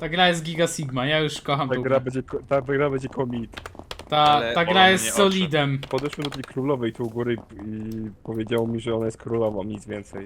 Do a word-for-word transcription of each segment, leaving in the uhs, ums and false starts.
Ta gra jest Giga Sigma, ja już kocham Ta tą gra grę. będzie, ko- ta gra będzie komit. Ta, Ale ta gra bolą jest mnie solidem. Podeszłem do tej królowej tu u góry i powiedział mi, że ona jest królową, nic więcej.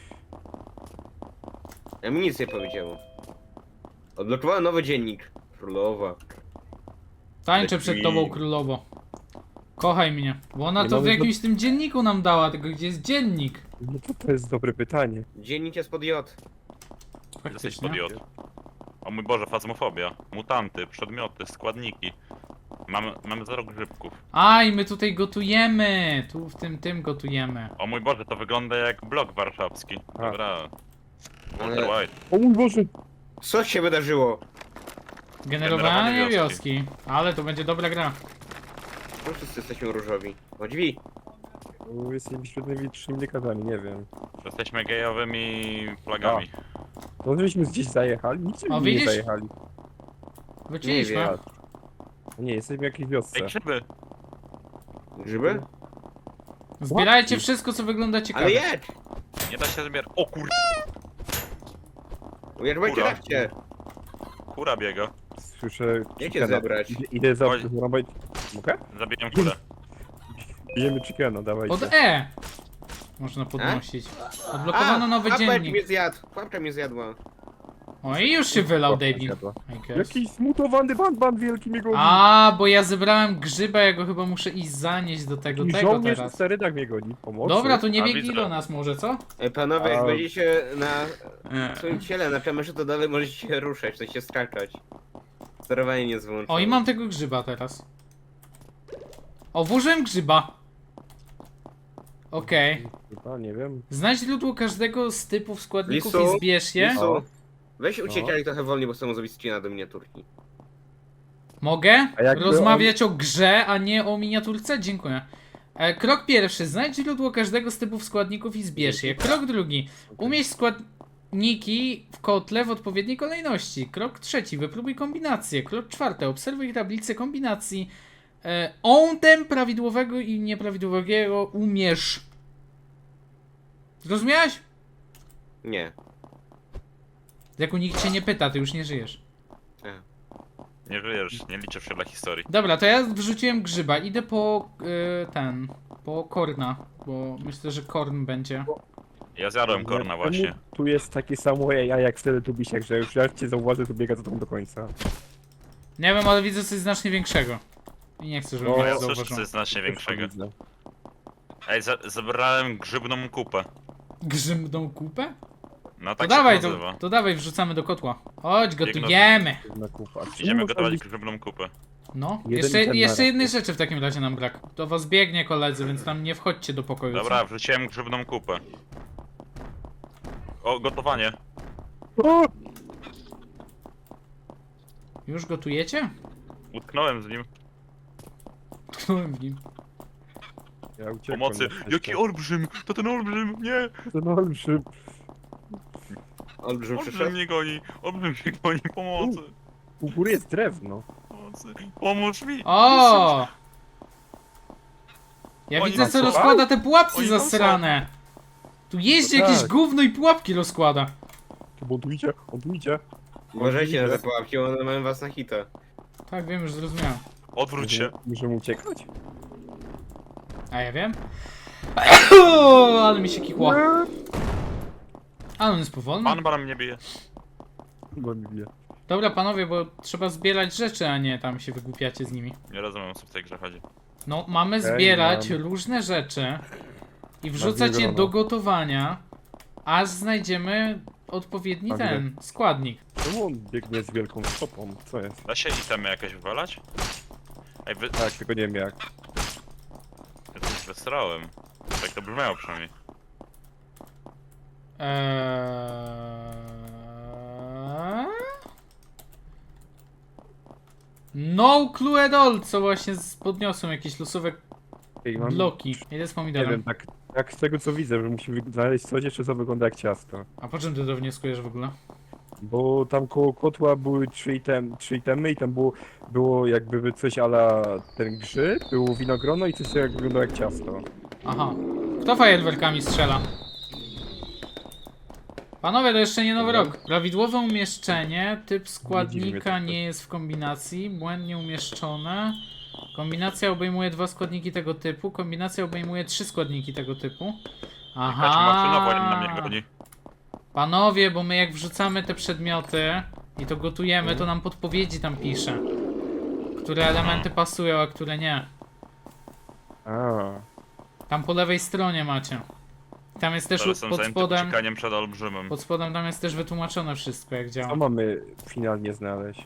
Ja mi nic nie powiedziało. Odblokowałem nowy dziennik. Królowa. Tańczę przed Leci. tobą, królowo. Kochaj mnie. Bo ona Nie to w mamy jakimś tym dzienniku nam dała, tylko gdzie jest dziennik? No to, to jest dobre pytanie. Dziennik jest pod J. Jesteś Faktycznie. pod J. O mój Boże, fazmofobia. Mutanty, przedmioty, składniki. Mamy, mamy zero grzybków. A, i my tutaj gotujemy. Tu w tym, tym gotujemy. O mój Boże, to wygląda jak blok warszawski. A. Dobra. Ale- Walter White. O mój Boże! Co się wydarzyło? Generowanie Generowanie wioski. wioski. Ale to będzie dobra gra. No wszyscy jesteśmy różowi. O drzwi. O, jesteśmy świetnymi trzymnikami, nie wiem. Jesteśmy gejowymi flagami. No żeśmy gdzieś zajechali? Nigdzie O, nie widzisz? zajechali. Wróciliśmy. wiem. Nie, jesteśmy w jakiejś wiosce. Ej, grzyby! Grzyby? Zbierajcie Łapki. wszystko, co wygląda ciekawie. Ale jedź! Nie da się zbierać. O kur... Jedź, będzie Kura. radźcie. Kura biega. Słyszę... Gdzie cię chickena. zebrać? Idę, idę za... Oj. Zarąbać... Mogę? Zabiję kurę. Bijemy chickena, dawajcie. Pod E. Można podnosić. Odblokowano nowy Łapeczki mnie dziennik. zjadł. Łapka mnie zjadła. O, i już się wylał, Łapka David. zjadła. I guess. Jakiś zmutowany ban, ban wielki mnie goni. A, bo ja zebrałem grzyba, ja go chyba muszę iść zanieść do tego, I tego żołnierz teraz. w sterydach mnie goni. Pomocy. Dobra, to nie A, biegnij widzę. do nas może, co? Ej, panowie, jak A- będziecie na E. swoim ciele na kamerze, to dalej możecie się ruszać, to się skakać. Sterowanie nie jest wyłączone. O, i mam tego grzyba teraz. O, włożyłem grzyba. Okej. Chyba, nie wiem. Znajdź źródło każdego z typów składników Lisu? i zbierz je. Lisu, O. weź No. uciekaj trochę wolniej, bo chcę zrobić screena do miniaturki. Mogę A jakby rozmawiać o grze, a nie o miniaturce? Dziękuję. E, krok pierwszy. Znajdź źródło każdego z typów składników i zbierz je. Krok drugi. Umieść składniki w kotle w odpowiedniej kolejności. Krok trzeci. Wypróbuj kombinację. Krok czwarty. Obserwuj tablicę kombinacji. E, ontem prawidłowego i nieprawidłowego umierz. Zrozumiałeś? Nie. Jak u nikt cię nie pyta, ty już nie żyjesz. Nie żyjesz, nie liczysz się dla historii. Dobra, to ja wrzuciłem grzyba. Idę po y, ten, po korna, bo myślę, że korn będzie. Ja zjadłem korna Czemu właśnie. Tu jest takie samo ja jak wtedy tu bisiek, że już jak cię zauważy, to biega za tą do końca. Nie wiem, ale widzę coś znacznie większego. I nie chcę, żeby No, mnie Ja ja słyszę zauważył. coś znacznie większego. Widzę. Ej, za zebrałem grzybną kupę. Grzybną kupę? No To tak dawaj, się to, nazywa. to dawaj, wrzucamy do kotła. Chodź, Biegnę. gotujemy. Na kupa. Czemu Idziemy można gotować być- grzybną kupę. No, Jeden jeszcze, ten jeszcze naraz. jednej rzeczy w takim razie nam brak. Do was biegnie koledzy, więc tam nie wchodźcie do pokoju. co? Dobra, wrzuciłem grzybną kupę. O, gotowanie. O! Już gotujecie? Utknąłem z nim. Tknąłem w nim. Ja uciekłem. Pomocy. na szczęście. Jaki olbrzym! To ten olbrzym! Nie! To no olbrzym. Olbrzym Olbrzym przyszedł. mnie goni! Olbrzym mnie goni! Pomocy! U góry jest drewno. Pomocy! Pomóż mi! O! Ja Oni widzę, tam co są? rozkłada te pułapki Oni tam zasrane. Tu jeździ No jakieś tak. gówno i pułapki rozkłada. Bo on tu idzie, on tu idzie. Uważajcie na te pułapki, one mają was na hita. Tak, wiem, już zrozumiałem. Odwróć się! Możemy uciekać? A ja wiem. Ale mi się kikło. Ale on jest powolny. Pan pan mnie bije. Bo mi bije. Dobra, panowie, bo trzeba zbierać rzeczy, a nie tam się wygłupiacie z nimi. Nie rozumiem, o co w tej grze chodzi. No, mamy Okej, zbierać mam. różne rzeczy i wrzucać je grono. do gotowania, aż znajdziemy odpowiedni Mam ten składnik. Czemu on biegnie z wielką stopą? Co jest? Da się itemy jakieś wywalać? Ej, wy... Tak, tylko nie wiem jak. Ja coś wysrałem. Tak to brzmiało przynajmniej. Eee... No clue at all, co właśnie z- podniosłem jakieś losowe Ej, mam, bloki. Idę z Nie pomidorem. wiem, tak, tak z tego co widzę, że musimy znaleźć coś jeszcze, co wygląda jak ciasto. A po czym ty to wnioskujesz w ogóle? Bo tam koło kotła były trzy, item, trzy itemy i tam było, było jakby coś ala ten grzyb, było winogrono i coś co jak wyglądało jak ciasto. Aha. Kto fajerwerkami strzela? Panowie, to jeszcze nie nowy Dobra. rok. Prawidłowe umieszczenie, typ dziwi mnie składnika to. nie jest w kombinacji, błędnie umieszczone. Kombinacja obejmuje dwa składniki tego typu, kombinacja obejmuje trzy składniki tego typu. Jakaś maszyna wojenna mnie Aha. goni. Panowie, bo my jak wrzucamy te przedmioty i to gotujemy, to nam podpowiedzi tam pisze. Które elementy pasują, a które nie. A, Tam po lewej stronie macie. Tam jest też Teraz jestem pod zajęty spodem, uciekaniem przed olbrzymem. pod spodem tam jest też wytłumaczone wszystko jak co działa. mamy finalnie znaleźć?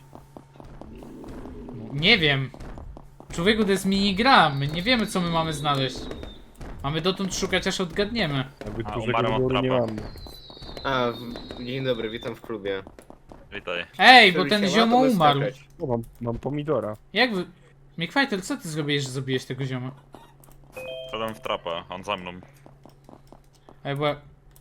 Nie wiem. Człowieku, to jest minigra, my nie wiemy co my mamy znaleźć. Mamy dotąd szukać aż odgadniemy. Jakby A, dużego umarłem od wyboru nie trapa. mamy. A, w... dzień dobry, witam w klubie. Witaj. Ej, bo Żeby ten się ziomo ładnie umarł. skakać. O, mam, mam pomidora. Jak wy... Mickfighter, co ty zrobiłeś, że zabiłeś tego zioma? Wszedłem w trapa, on za mną. Ej, bo ja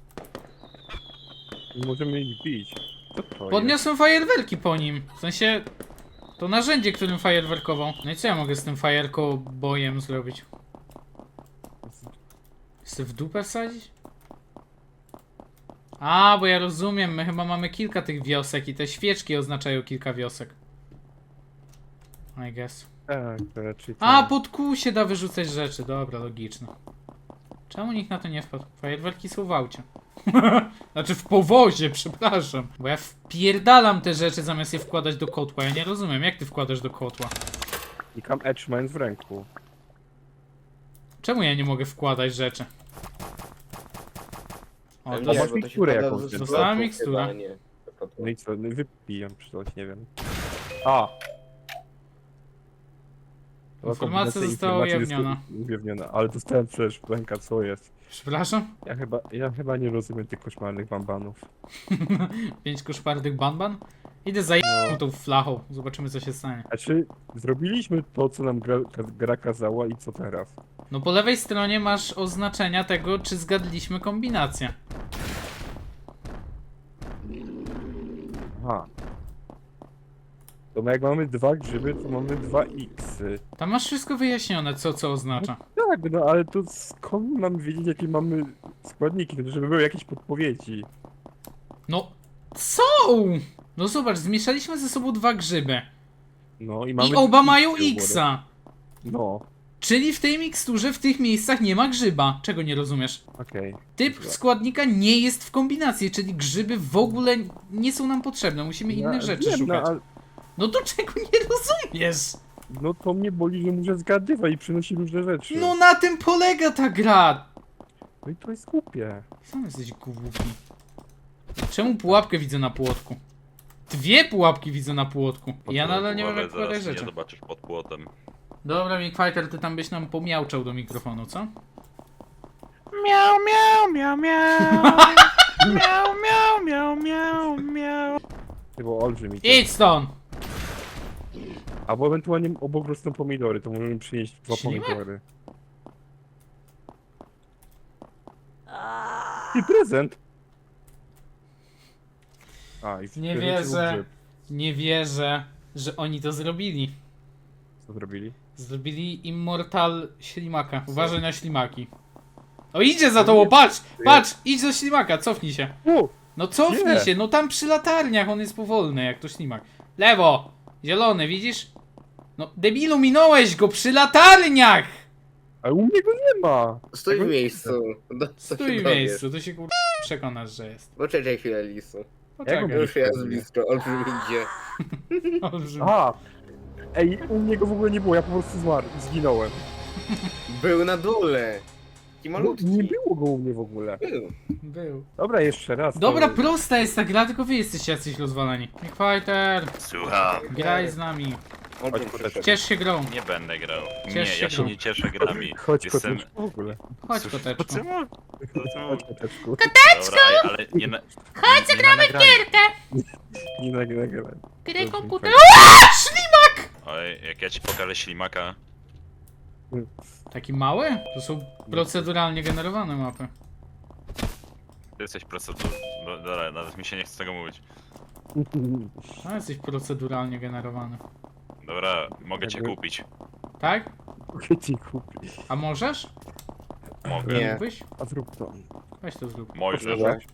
Nie możemy ich bić. Co to jest? podniosłem fajerwerki po nim. W sensie... To narzędzie, którym fajerwerkował. No i co ja mogę z tym fajerko bojem zrobić? Chcę w dupę wsadzić? A, bo ja rozumiem, my chyba mamy kilka tych wiosek i te świeczki oznaczają kilka wiosek. I guess. Tak, to raczej A, tak. pod kół się da wyrzucać rzeczy, dobra, logiczne. Czemu nikt na to nie wpadł? Fajerwerki są w aucie. Znaczy w powozie, przepraszam. Bo ja wpierdalam te rzeczy zamiast je wkładać do kotła. Ja nie rozumiem, jak ty wkładasz do kotła? I kam edge mając w ręku. Czemu ja nie mogę wkładać rzeczy? O, Ale to nie, masz bo to się miksturę pada jakąś, z więc- Dostałem bloków miksturę. chyba, nie. No i co, no i wypijam czy coś, nie wiem. A! To Informacja kombinacja została informacji jest ujawniona. Ujawniona, ale dostałem przecież w ręka, co jest. Przepraszam? Ja chyba, ja chyba nie rozumiem tych koszmarnych bambanów. Pięć koszmarnych banban? Idę za No. tą flachą. Zobaczymy co się stanie. Znaczy, zrobiliśmy to, co nam gra, ka- gra kazała i co teraz? No po lewej stronie masz oznaczenia tego, czy zgadliśmy kombinację. Aha. To jak mamy dwa grzyby, to mamy dwa xy. Tam masz wszystko wyjaśnione, co co oznacza. Tak, no ale to skąd mamy wiedzieć, jakie mamy składniki, żeby były jakieś podpowiedzi? No, są! No zobacz, zmieszaliśmy ze sobą dwa grzyby. No i mamy... I oba mają X-y u góry. X-a. No, Czyli w tej miksturze, w tych miejscach nie ma grzyba. Czego nie rozumiesz? okej. Typ Dobra. składnika nie jest w kombinacji, czyli grzyby w ogóle nie są nam potrzebne. Musimy innych Ja rzeczy wiem, szukać. No, ale, No to czego nie rozumiesz? no to mnie boli, że muszę zgadywać i przynosi różne rzeczy. No na tym polega ta gra. No i to jest głupie. Sam jesteś głupi. Czemu pułapkę widzę na płotku? Dwie pułapki widzę na płotku. Ja nadal nie wiem jak Uważaj, zaraz wkładać mnie rzeczy. zobaczysz pod płotem. Dobra, Mickfighter, ty tam byś nam pomiałczał do mikrofonu, co? Miau, miau, miau, miau. Miau, miau, miau, miau, miau. To było olbrzymi. Idź stąd! Albo ewentualnie obok rosną pomidory, to możemy przynieść dwa Ślimak? pomidory. I prezent! A, i w Nie prezencie był wierzę. grzyb. Nie wierzę, że oni to zrobili. Co zrobili? Zrobili Immortal Ślimaka. Uważaj na ślimaki. O, idzie za tobą, patrz! Patrz! Idź do ślimaka, cofnij się. U! No cofnij Gdzie? się, no tam przy latarniach, on jest powolny, jak to ślimak. Lewo! Zielony, widzisz? No, debilu, minąłeś go przy latarniach! Ale u mnie go nie ma! Stój Tego w nie miejscu. Do, Stój w dowiesz. miejscu, to się kur... przekonasz, że jest. Poczekaj chwilę, Lisu. Poczekaj. Jak Już jest blisko, olbrzym idzie. Olbrzym. A! Ej, u mnie go w ogóle nie było, ja po prostu zmarł, zginąłem. Był na dole. Taki No, malutki. nie było go u mnie w ogóle. Był. Był. Dobra, jeszcze raz. Dobra, to... prosta jest ta gra, tylko wy jesteście jacyś rozwaleni. Fighter, Słucham. graj z nami. Olbrzym Chodź, przyszedł. Ciesz się grą. Nie będę grał. Ciesz Nie, się ja się grą. nie cieszę grami. Chodź, Jestem... koteczku w ogóle. Chodź, Cóż, koteczku. po co mu- po co mu- Chodź, koteczku. Dobra, ej, ale nie na... Chodź, zagramy w gierkę! Nie nagrywaj. Grę Dobrze, komputer. fajnie. Oj, jak ja ci pokażę ślimaka. Taki mały? To są proceduralnie generowane mapy. Ty jesteś procedur... No, dobra, nawet mi się nie chce tego mówić. No jesteś proceduralnie generowany. Dobra, mogę cię Jakby- kupić. Tak? Mogę ci kupić. A możesz? Mogę. Nie. Mógłbyś? A zrób to. Weź to zrób. Możesz. Dobra.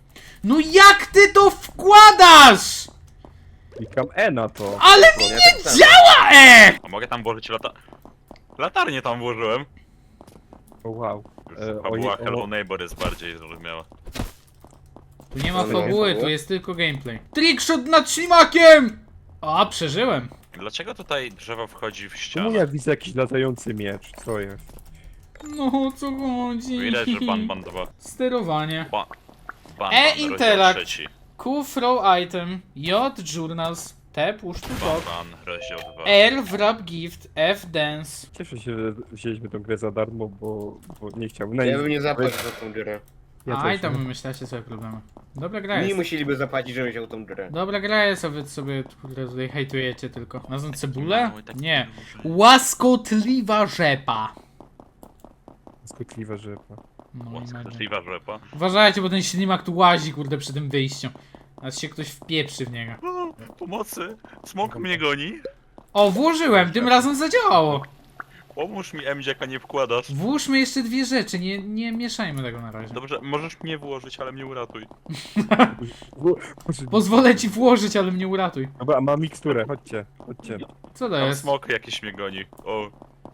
No jak ty to wkładasz? Klikam E na to. Ale mi Ja nie tak samo. działa, e! A mogę tam włożyć lata... Latarnię tam włożyłem. O, wow. E, o, Fabuła o, Hello Neighbor jest bardziej zrozumiała. Tu nie ma Ale nie fabuły, fabuły? tu jest tylko gameplay. Trickshot nad ślimakiem! A, przeżyłem. Dlaczego tutaj drzewo wchodzi w Czemu ścianę? ja widzę jakiś latający miecz? Co jest? No, o co chodzi? Widać, że ban bandowa. Sterowanie. Ba ban, E, ban, rozdział Interact. trzeci. Q throw item. J journals. T push to Ban, talk. ban, rozdział dwa. R wrap gift. F dance. Cieszę się, że wzięliśmy tą grę za darmo, bo, bo nie chciałbym na Ja niej- bym nie zapłacił za tą dziurę. Ja A i też tam nie. wymyślacie sobie problemy. Dobra gra Mi jest. musieliby zapłacić, żebym wziął tą dziurę. Dobra gra jest, a wy sobie kurde, tutaj hejtujecie tylko. Nazwą cebulę? mały, taki Nie. duży. Łaskotliwa rzepa. Skutliwa rzepa. No i magia. Skrzydliwa rzepa. Uważajcie, bo ten ślimak tu łazi, kurde, przy tym wyjściu. Aż się ktoś wpieprzy w niego. O, pomocy! Smok mnie goni. O, włożyłem, tym razem zadziałało. Pomóż mi, Emdziak, a nie wkładasz. Włóżmy jeszcze dwie rzeczy, nie, nie mieszajmy tego na razie. Dobrze, możesz mnie włożyć, ale mnie uratuj. Bo- Boże, Pozwolę ci włożyć, ale mnie uratuj. Dobra, a mam miksturę, chodźcie, chodźcie. Co to Tam jest? smok jakiś mnie goni. O,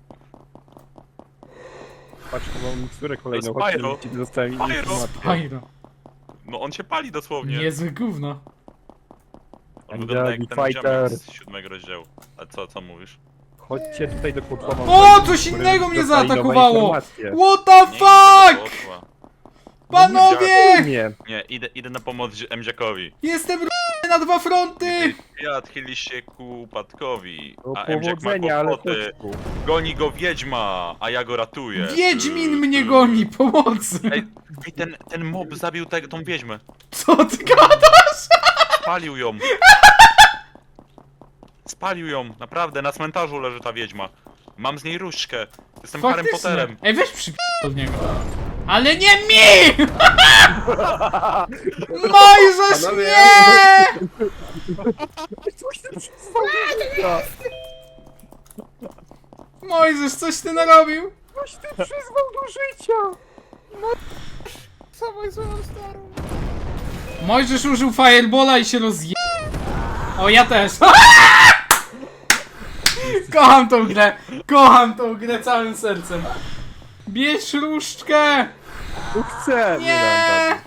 Patrz, mam miksturę kolejną, To chodźcie, Spyro. ci dostałem Spyro. informację. Fajno. no on się pali dosłownie. Niezłe gówno. On wygląda jak Daddy ten fighter. ziomek z siódmego rozdziału. A co, co mówisz? Chodźcie tutaj do kotła. mam O, fajną coś miksturę, innego mnie dostali nowe zaatakowało! informacje. What the Nie, idę do fuck! kotła. Panowie! Nie, Nie, idę, idę na pomoc Emdziakowi. Jestem r- na dwa fronty! Ja odchyli się ku upadkowi. o A Emdziak ma powodzenia, ale kłopoty. chodź tu. Goni go wiedźma, a ja go ratuję. Wiedźmin Ty, mnie ty. goni, pomocy! Ej, ej ten, ten mob zabił te, tą wiedźmę. Co ty gadasz? Spalił ją. Spalił ją, naprawdę, na cmentarzu leży ta wiedźma. Mam z niej różdżkę. Jestem Harrym Potterem. Ej, weź przyp... od niego. Ale nie mi! Mojżesz, Panowie, nie! Coś ty przyzwał Mojżesz, coś ty narobił? Coś ty przyzwał do życia! Samą swoją starą. Mojżesz użył firebola i się rozje... O, ja też. Kocham tą grę. Kocham tą grę całym sercem. Bierz różdżkę! Tu chcę! Nie!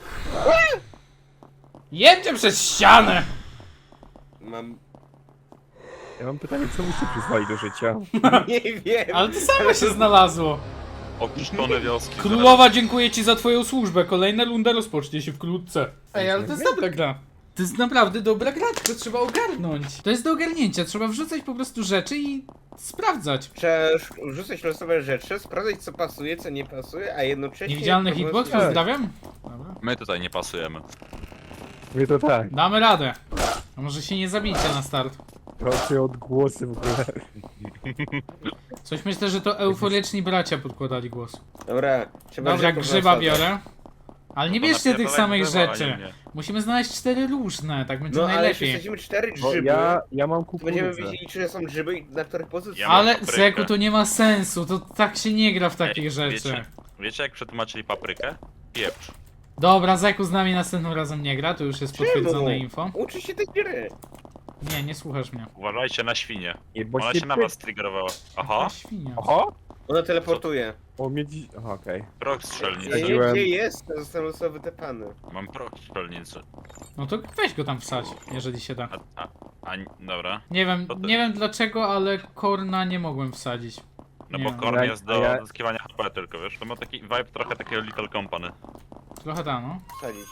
Jedźcie przez ścianę! Mam... Ja mam pytanie, co byście przyzwali do życia? Nie wiem. Ale to samo się znalazło. Opuszczone wioski. Królowa, dziękuję ci za twoją służbę. Kolejna runda rozpocznie się wkrótce. Ej, ale to jest dobra gra. To jest naprawdę dobra gra, tylko trzeba ogarnąć. To jest do ogarnięcia, trzeba wrzucać po prostu rzeczy i sprawdzać. Trzeba rzucać losowe rzeczy, sprawdzać co pasuje, co nie pasuje, a jednocześnie... Niewidzialny po hitbox, prostu- pozdrawiam. Dobra. My tutaj nie pasujemy. Mówię to tak. Damy radę. A może się nie zabijcie na start. Proszę odgłosy w ogóle. Coś myślę, że to euforyczni bracia podkładali głos. Dobra, trzeba Dobra, rzeczy grzyba losowe. biorę. Ale nie No to bierzcie tych napierdalaj samych drzewa, a nie rzeczy. mnie. Musimy znaleźć cztery różne, tak będzie No ale jeśli najlepiej. wsadzimy cztery Bo grzyby, ja, ja mam to będziemy kukurydzę. wiedzieli, czy są grzyby i na których pozycjach. Ja mam Ale paprykę. Zeku, to nie ma sensu, to tak się nie gra w takich Ej, rzeczy. Wiecie, wiecie jak przetłumaczyli paprykę? Pieprz. Dobra, Zeku z nami następnym razem nie gra, to już jest potwierdzone info. Uczy się tej gry. Nie, nie słuchasz mnie. Uważajcie na świnię. Nie, bo Ona się się na py- was triggerowała. Aha, Jaka świnia. Oho! Ona teleportuje. O, miedzi... Aha, okej. proch strzelnicy. Nie, nie, Wsadziłem. gdzie jest, to został losowy wytepany. Mam proch strzelnicy. No to weź go tam wsadź, jeżeli się da. A, a, a, dobra. Nie wiem, To ty. nie wiem dlaczego, ale Korna nie mogłem wsadzić. No Nie bo wiem. korn Ja- jest a do ja- zyskiwania H P tylko, wiesz? To ma taki vibe trochę takiego Little Company. Trochę da, no. Wsadzić.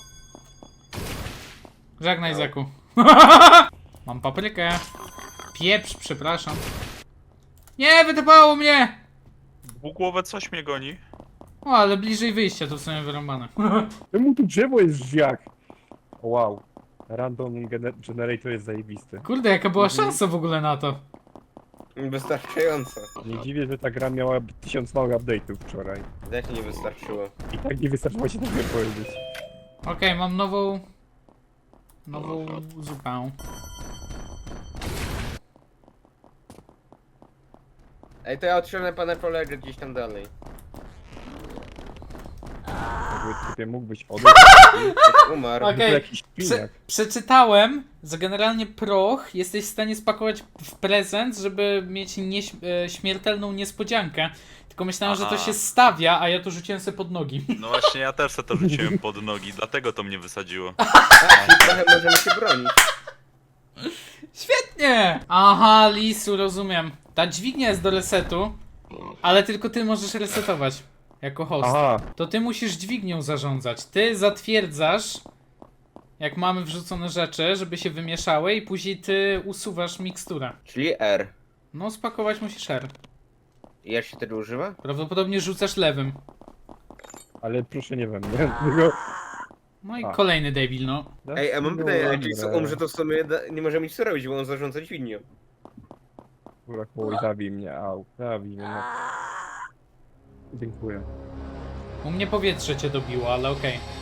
Żegnaj, Zeku. Mam paprykę. Pieprz, przepraszam. Nie, wytypało mnie! Dwugłowe coś mnie goni. O, ale bliżej wyjścia, to w sumie wyrąbane. Czemu tu drzewo jest żwiak? O, wow. Random gener- generator jest zajebisty. Kurde, jaka była Mhm. szansa w ogóle na to. Wystarczająco. Nie dziwię, że ta gra miała tysiąc małych update'ów wczoraj. Jak nie wystarczyło. I tak nie wystarczyło się tak powiedzieć. Okej, mam nową... Nową zupę. Ej, to ja otrzymam pana kolegę gdzieś tam dalej. typie mógłbyś odejść. Umarł. Okej. To jakiś Prze piniak. przeczytałem, że generalnie proch jesteś w stanie spakować w prezent, żeby mieć nieś e, śmiertelną niespodziankę. Tylko myślałem, że to Aha. się stawia, a ja to rzuciłem sobie pod nogi. No właśnie, ja też se to rzuciłem pod nogi, dlatego to mnie wysadziło. Tak, i trochę możemy się bronić. Świetnie! Aha, Lisu, rozumiem. Ta dźwignia jest do resetu, ale tylko ty możesz resetować jako host. Aha, To ty musisz dźwignią zarządzać. Ty zatwierdzasz, jak mamy wrzucone rzeczy, żeby się wymieszały i później ty usuwasz miksturę. Czyli R. No, spakować musisz R. I jak się wtedy używa? Prawdopodobnie rzucasz lewym. ale proszę nie we mnie. Tylko... No i A. kolejny debil, no. Ej, a mam pytanie, a Dobra. jeśli umrze, to w sumie da- nie może nic co robić, bo on zarządza dźwignią. Kurwa, koło i zabij mnie, au, zabij mnie, no. Dziękuję. U mnie powietrze cię dobiło, ale okej.